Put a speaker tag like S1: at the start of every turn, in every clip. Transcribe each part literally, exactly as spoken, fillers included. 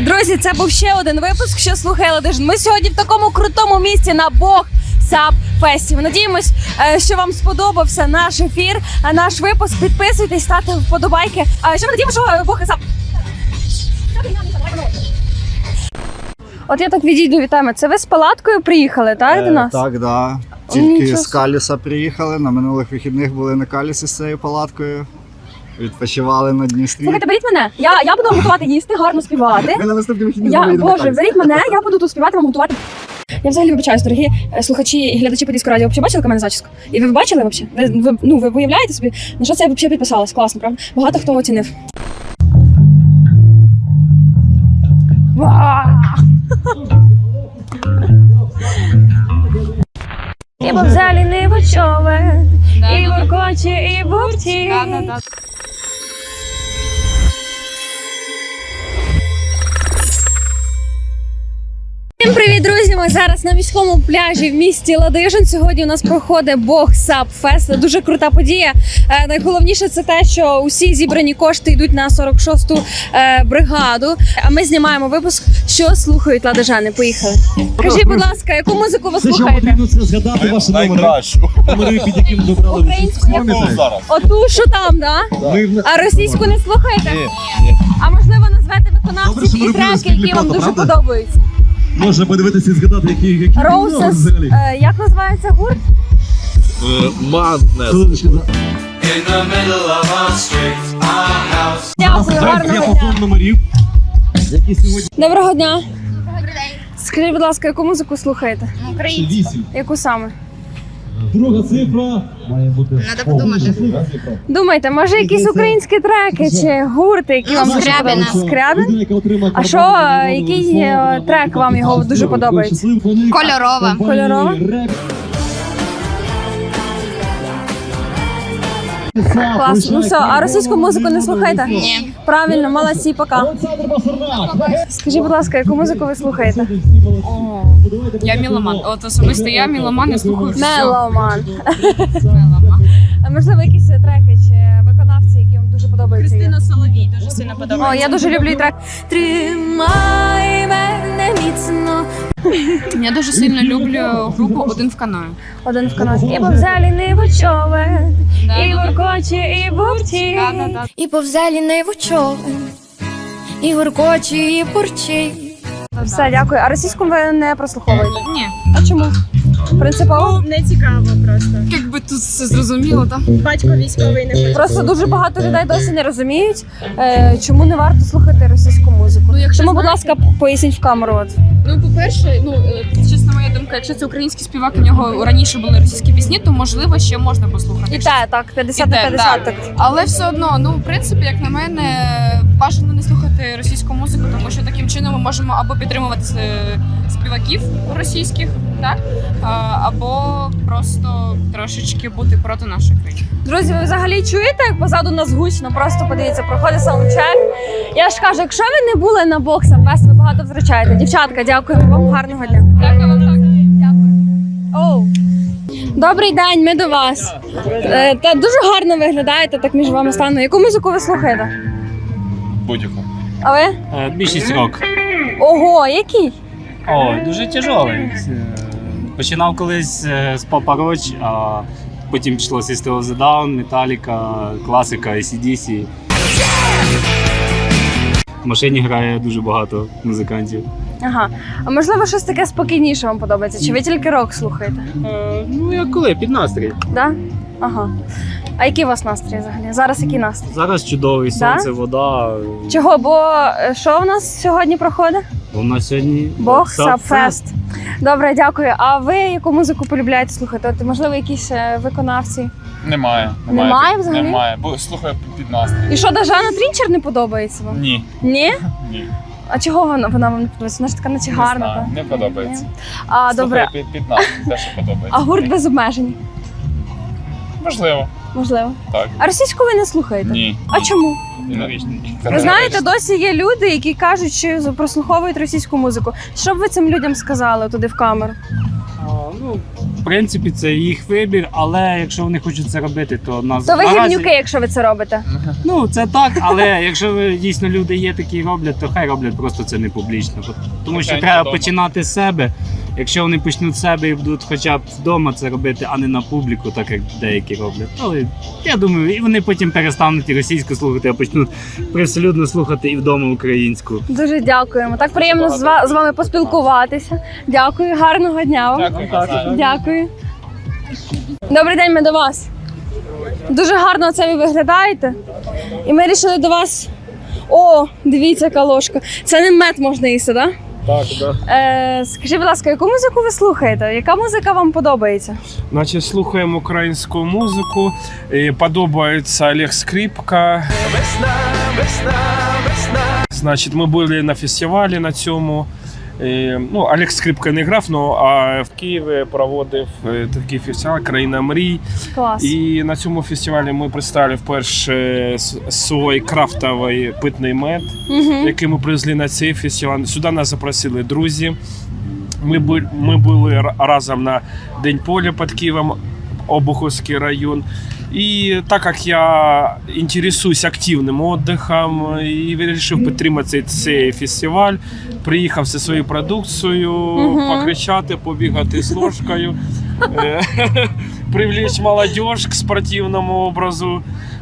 S1: Друзі, це був ще один випуск, що слухає Ладижин. Ми сьогодні в такому крутому місці на Бог Сап Фесті. Ми надіємось, що вам сподобався наш ефір, наш випуск. Підписуйтесь, ставте вподобайки. А ще ми надіємося, що Бог Сап. От я так відійду від теми. Це ви з палаткою приїхали, так,
S2: Е,
S1: до нас?
S2: Так, да. Тільки
S1: Нічого.
S2: з Каліса приїхали. На минулих вихідних були на Калісі з цією палаткою. Відпочивали на Дністрі.
S1: Слухайте, беріть мене. Я, я буду вам готувати їсти, гарно співати.
S2: Ми на наступні вихідні
S1: Я,
S2: вийдемо на
S1: Боже,
S2: Каліс.
S1: беріть мене, я буду тут співати, вам готувати. Я взагалі вибачаюсь, дорогі е, слухачі і глядачі Подільського радіо. Ви бачили мене зачіску? І ви бачили взагалі? Ви, ви, ну, ви уявляєте собі, на що це я взагалі підписалась? Класно, правда? Багато хто оцінив. І в залі не вочове, і воркоче, і бурті. Всім привіт, друзі! Ми зараз на міському пляжі в місті Ладижин. Сьогодні у нас проходить Бог Сап Фест. Це дуже крута подія. Е, найголовніше це те, що усі зібрані кошти йдуть на сорок шосту е, бригаду. А ми знімаємо випуск, що слухають ладижани. Поїхали. Кажіть, будь ласка, яку музику ви
S3: Все, що
S1: слухаєте?
S3: потрібно, це згадати ваші номери.
S4: Найкращу.
S3: Номери, під яким добрали
S1: Українську яку?
S4: Ну, зараз.
S1: Оту, що там, да?
S3: Ми в-
S1: А російську не слухаєте?
S4: Ні, ні.
S1: А можливо назвете
S3: Добре,
S1: виконавців
S3: що ми
S1: і
S3: робили
S1: треки,
S3: спільний
S1: які вам
S3: фото,
S1: дуже
S3: правда?
S1: подобаються?
S3: Можна подивитися і згадати, які, які номери
S1: Роусес,
S3: взагалі.
S1: е, як називається гурт?
S4: Маднес.
S3: Хвилиночку, за-
S1: Дякую,
S3: Я
S1: гарного
S3: по
S1: дня.
S3: фонд номерів, які сьогодні
S1: Доброго дня. Скажіть, будь ласка, яку музику слухаєте?
S3: вісім.
S1: Яку саме?
S3: Друга цифра має бути.
S5: Надо подумати.
S3: щаслива цифра.
S1: Думайте, може якісь українські треки чи гурти, які вам дуже
S5: Скрябіна.
S1: подобаються? Скрябін?
S3: Людина, яка отримає
S1: А що,
S3: карбон,
S1: е, який,
S3: слово,
S1: е,
S3: слово,
S1: трек вам його
S3: щасливий,
S1: дуже подобається?
S3: щасливий планет.
S5: Кольорова.
S3: Компанії
S1: Кольорова?
S3: «Реп».
S1: Клас. Ну все, а російську музику не слухаєте?
S5: Ні.
S1: Правильно, молодці, пока.
S3: Олександр Басарнак.
S1: Скажіть, будь ласка, яку музику ви слухаєте?
S6: Я міломан. От особисто я міломан, я слухаю все.
S1: Меломан.
S6: Меломан.
S1: А можливо, якісь треки чи виконавці, які вам дуже подобаються?
S6: Кристина Соловій дуже сильно
S1: О,
S6: подобається.
S1: я дуже люблю і трек. Тримай мене міцно.
S6: Я дуже сильно люблю групу «Один в каної».
S1: Один в каноті. І повзалі не вочове,
S6: Да,
S1: і
S6: да, да.
S1: воркоче, і бурті.
S6: Да, да, да.
S7: І повзалі не човен, і гуркочі, і бурчить.
S1: Все, дякую. А російську ви не прослуховуєте?
S6: Ні.
S1: А чому? Принципово?
S8: Не цікаво просто.
S6: Якби тут все зрозуміло, так?
S8: Батько військовий не хоче.
S1: Просто дуже багато людей досі не розуміють, е, чому не варто слухати російську музику.
S6: Ну, якщо
S1: Тому, будь
S6: знаєте-
S1: ласка, поясніть в камеру. От.
S6: Ну, по-перше, ну, е, чесно, моя думка, якщо це український співак, у нього раніше були російські пісні, то, можливо, ще можна послухати.
S1: І те, так, п'ятдесят
S6: І
S1: на
S6: те,
S1: п'ятдесят.
S6: да.
S1: Так.
S6: Але все одно, ну, в принципі, як на мене, бажано не слухати російську музику, тому що таким чином ми можемо або підтримувати е, співаків російських, так? А, або просто трошечки бути проти нашої країни.
S1: Друзі, ви взагалі чуєте, як позаду нас гучно? Просто подивіться, проходить саундчек. Я ж кажу, якщо ви не були на Бог Сап Фест, ви багато втрачаєте. Дівчатка, дякую вам, гарного дня.
S6: Дякую вам так.
S1: Оу. Добрий день, ми до вас. Е, Та дуже гарно виглядаєте, так між вами стану. Яку музику ви слухаєте?
S4: Будь-яку.
S1: А ви?
S9: Е, Більшість рок.
S1: Ого, який?
S9: О, дуже тяжелий. Е, Починав колись е, з Papa Roach, а потім пішло System of a Down, Metallica, класика, ей сі ді сі. В машині грає дуже багато музикантів.
S1: Ага. А можливо, щось таке спокійніше вам подобається? Чи ви тільки рок слухаєте?
S9: Е, Ну, як коли, під настрій.
S1: Да? Ага. А який у вас настрій взагалі? Зараз який настрій?
S9: Зараз чудовий,
S1: Да?
S9: сонце, вода.
S1: Чого? Бо е, що в нас сьогодні проходить?
S9: У нас сьогодні
S1: Бог
S9: Сап
S1: Сап Фест. Добре, дякую. А ви яку музику полюбляєте слухати? От, можливо, якісь е, виконавці?
S4: Немає.
S1: Немає взагалі?
S4: Немає. Бо слухаю під настрій.
S1: І що, Дажана Трінчер не подобається вам?
S4: Ні.
S1: Ні?
S4: Ні.
S1: А чого вона, вона вам не подобається? Вона ж така наче
S4: Не
S1: гарна.
S4: знаю,
S1: та?
S4: не подобається.
S1: А, добре.
S4: Слухаю під, під настрій, те, що подобається.
S1: А гурт без обмежень?
S4: Можливо.
S1: Можливо.
S4: Так.
S1: А російську ви не слухаєте?
S4: Ні.
S1: А чому? Ви знаєте, досі є люди, які кажуть, що прослуховують російську музику. Що б ви цим людям сказали туди в камеру?
S9: А, ну, в принципі, це їх вибір, але якщо вони хочуть це робити, то нас
S1: То ви
S9: наразі-
S1: гівнюки, якщо ви це робите.
S9: Ну, це так, але якщо ви, дійсно люди є такі і роблять, то хай роблять просто це не публічно. Тому що
S4: Тихенько
S9: треба
S4: вдома.
S9: починати з себе. Якщо вони почнуть з себе і будуть хоча б вдома це робити, а не на публіку, так як деякі роблять. Але я думаю, і вони потім перестануть і російську слухати, а почнуть привселюдно слухати і вдома українську.
S1: Дуже дякуємо. Так приємно з ва- з вами поспілкуватися. Дякую, гарного дня вам.
S4: Дякую, Назар.
S1: Дякую. Добрий день, ми до вас. Дуже гарно це ви виглядаєте. І ми вирішили до вас. О, дивіться, яка ложка. Це не мед можна їсти, так?
S5: Так, да.
S1: Е, скажіть, будь ласка, яку музику ви слухаєте? Яка музика вам подобається?
S5: Значить, слухаємо українську музику. І подобається Олег Скрипка. Весна, весна, весна. Значить, ми були на фестивалі на цьому. І, ну, Олег Скрипка не грав, ну, а в Києві проводив е, такий фестиваль «Країна мрій».
S1: Клас.
S5: І на цьому фестивалі ми представили вперше с- свій крафтовий питний мед,
S1: Угу.
S5: який ми привезли на цей фестиваль. Сюди нас запросили друзі. Ми, бу- ми були ра- разом на День поля під Києвом, Обуховський район. І так як я інтересуюсь активним відпочинком і вирішив підтримати цей, цей фестиваль, приїхав зі своєю продукцією,
S1: Мгм.
S5: покричати, побігати з ложкою, е, привлечь молодіж к спортивному образу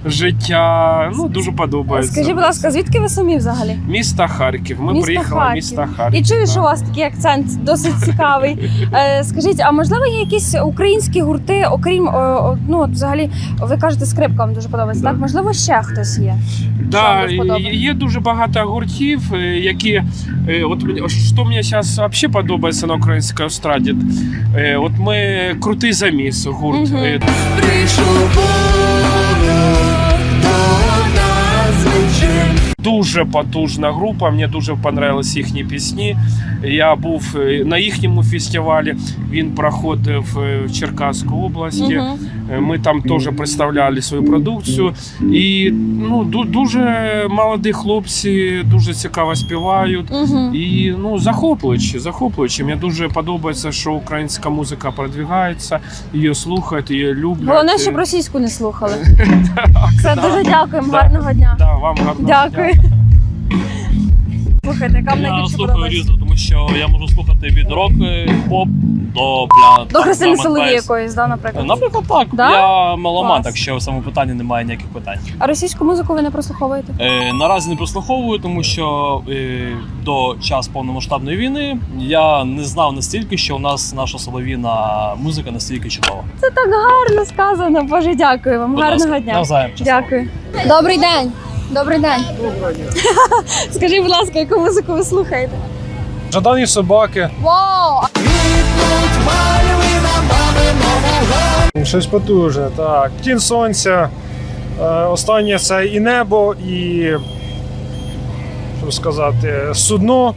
S5: життя. Ну, дуже подобається.
S1: Скажіть, будь ласка, звідки ви самі взагалі?
S5: Місто Харків. Ми
S1: Місто
S5: приїхали
S1: Харків.
S5: в місто Харків.
S1: І чую, що у
S5: так.
S1: вас такий акцент досить цікавий. Е, скажіть, а можливо є якісь українські гурти, окрім о, о, ну от взагалі, ви кажете, скрипка вам дуже подобається,
S5: Да.
S1: так? Можливо, ще хтось є.
S5: Да,
S1: дуже подобається?
S5: є дуже багато гуртів, е, які е, от мені- що мені зараз взагалі подобається на українській естраді. Е, От ми крутий заміс гурт.
S1: Мгм.
S5: Е, Дуже потужна група, мені дуже понравились їхні пісні. Я був е, на їхньому фестивалі, він проходив е, в Черкаській області.
S1: Мгм.
S5: Е, Ми там теж представляли свою продукцію. І ну, ду- дуже молоді хлопці, дуже цікаво співають.
S1: Мгм.
S5: І ну, захоплюючи, захоплюючи. Мені дуже подобається, що українська музика продвигається, її слухають, її люблять.
S1: Головне, щоб російську не слухали. Все, дуже дякуємо, гарного дня.
S5: Да, вам гарного
S1: Дякую.
S5: дня.
S1: Слухайте, яка вам
S10: Я
S1: найбільше
S10: слухаю
S1: подобається?
S10: різно, тому що я можу слухати від рок, поп до бля.
S1: До
S10: там,
S1: Христини
S10: drum and
S1: Соловій
S10: bass.
S1: якоїсь, да, наприклад?
S10: Наприклад, так.
S1: Да?
S10: Я меломан,
S1: Клас.
S10: так що в цьому питанні немає ніяких питань.
S1: А російську музику ви не прослуховуєте?
S10: Е, наразі не прослуховую, тому що е, до часу повномасштабної війни я не знав настільки, що у нас наша солов'їна музика настільки чудова.
S1: Це так гарно сказано. Боже, дякую вам.
S10: Будь
S1: Гарного
S10: ласка,
S1: дня.
S10: навзаєм, щасливо.
S1: Дякую. Добрий день. Добрий день. Скажіть, будь ласка, яку музику ви слухаєте?
S5: Жадані собаки.
S1: Вау!
S11: Щось потужне, так. Тінь сонця. Е, Останнє це і небо, і. Що сказати, судно.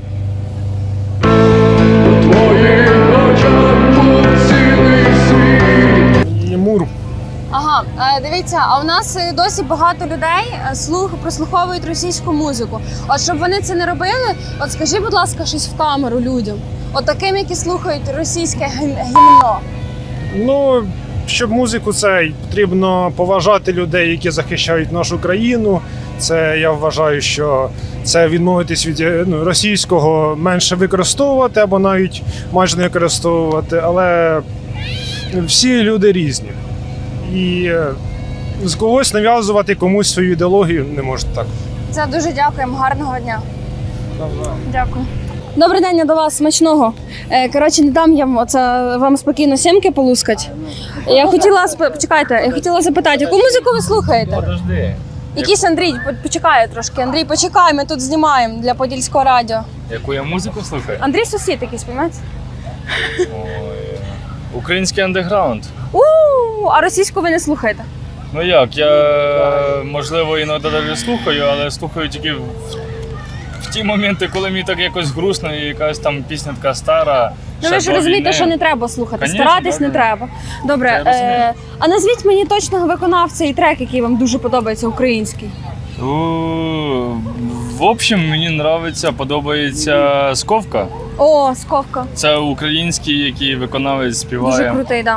S11: І мур.
S1: Ага, е, дивіться, а у нас е, досі багато людей е, слух прослуховують російську музику. От щоб вони це не робили, от скажи, будь ласка, щось в камеру людям. От таким, які слухають російське гім- гімно.
S11: Ну, щоб музику цей потрібно поважати людей, які захищають нашу країну. Це я вважаю, що це відмовитись від е, ну, російського менше використовувати або навіть майже не використовувати. Але всі люди різні. І е, з когось нав'язувати комусь свою ідеологію не можна так.
S1: Це дуже дякуємо. Гарного дня. Дякую. Добрий день, я до вас смачного. Е, Коротше, не дам я вам, оце, вам спокійно сімки полускать. Я хотіла сп- почекайте, я хотіла запитати, яку музику ви слухаєте?
S4: Подожди.
S1: Якийсь Андрій, по- почекає трошки. Андрій, почекай, ми тут знімаємо для Подільського радіо.
S4: Яку я музику слухаю?
S1: Андрій сусід якийсь, розумієте?
S4: Ой. Український андеграунд.
S1: У, а російську ви не слухаєте?
S4: Ну як, я можливо іноді навіть слухаю, але слухаю тільки в, в ті моменти, коли мені так якось грустно, і якась там пісня така стара.
S1: Ну
S4: ще
S1: ви ж
S4: до
S1: розумієте,
S4: війни.
S1: що не треба слухати,
S4: Конечно,
S1: старатись
S4: да,
S1: не
S4: да.
S1: треба. Добре,
S4: Це я розумію.
S1: е, а назвіть мені точного виконавця і трек, який вам дуже подобається, український.
S4: У, В общем, мені подобається, подобається Сковка.
S1: О, Сковка.
S4: Це український, який виконавець співає.
S1: Дуже крутий, так.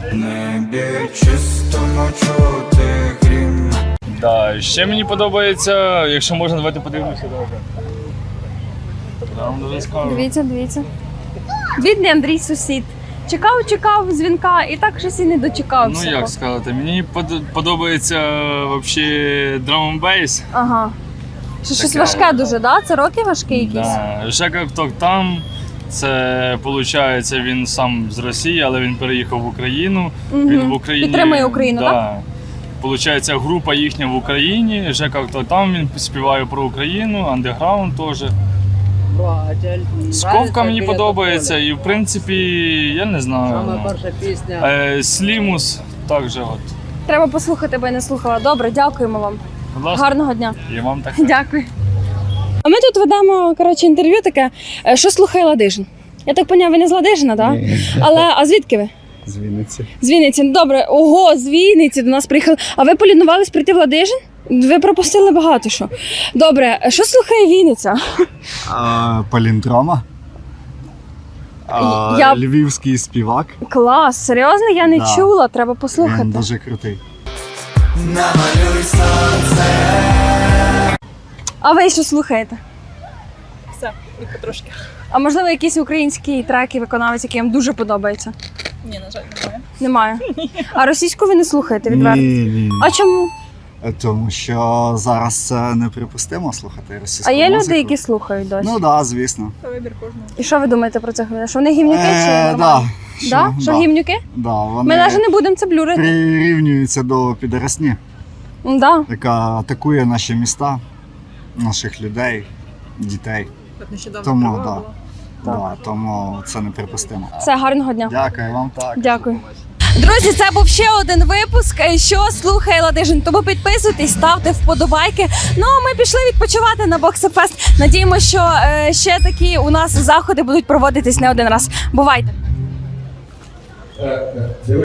S4: Да. Ще мені подобається, якщо можна, давайте подивимося. Добре. Я вам дуже скажу.
S1: Дивіться, дивіться. Бідний Андрій сусід. Чекав, чекав дзвінка і так щось і не дочекався.
S4: Ну як сказати, мені под- подобається взагалі драм-н-бейс.
S1: Ага. Що щось
S4: Таке.
S1: важке дуже, да? Це роки важкі якісь?
S4: Да. Жека Кток там. Це виходить, він сам з Росії, але він переїхав в Україну.
S1: Мгм.
S4: Він в Україні
S1: Підтримує Україну,
S4: да.
S1: так?
S4: Получається, група їхня в Україні. Жека Кток там, він співає про Україну, андеграунд теж. Сковка мені подобається, і в принципі, я не знаю. Е, Слімус також. От.
S1: Треба послухати, бо я не слухала. Добре, дякуємо вам.
S4: Будь ласка.
S1: Гарного дня.
S4: І вам так.
S1: Дякую. А ми тут ведемо коротше, інтерв'ю таке, е, що слухає Ладижин. Я так поняв, ви не з Ладижина, так? Да? Але а звідки ви?
S2: З Вінниці.
S1: З Вінниці. Добре, ого, з Вінниці до нас приїхали. А ви полінувались прийти в Ладижин? Ви пропустили багато що. Добре, що слухає Вінниця?
S2: А, Паліндрома. А,
S1: Я-
S2: Львівський співак.
S1: Клас, серйозно? Я не
S2: Да.
S1: чула, треба
S2: Він
S1: послухати.
S2: дуже крутий.
S1: А ви що слухаєте?
S8: Все, і потрошки.
S1: А можливо, якісь українські треки, виконавець, який вам дуже подобається?
S8: Ні, на жаль, немає.
S1: Немає. А російську ви не слухаєте відверто?
S2: Ні, ні, ні.
S1: А чому?
S2: Тому що зараз це неприпустимо слухати російську
S1: А є
S2: музику.
S1: люди, які слухають досі?
S2: Ну так, да, звісно.
S8: Це вибір кожного.
S1: І що ви думаєте про цих людей? Що вони гімнюки чи
S2: Е,
S1: нормально?
S2: да.
S1: Да? Що
S2: да.
S1: гімнюки?
S2: Да, вони
S1: Ми навіть не будемо це блюрити.
S2: прирівнюються до підросні,
S1: Да.
S2: яка атакує наші міста, наших людей, дітей.
S8: От нещодавно
S2: Тому,
S8: права
S2: да.
S8: була.
S2: Да, тому це неприпустимо.
S1: Все, гарного дня.
S2: Дякую вам так.
S1: Дякую. Друзі, це був ще один випуск. Що слухає Ладижин? Тому підписуйтесь, ставте вподобайки. Ну а ми пішли відпочивати на Боксфест. Надіємося, що е, ще такі у нас заходи будуть проводитись не один раз. Бувайте!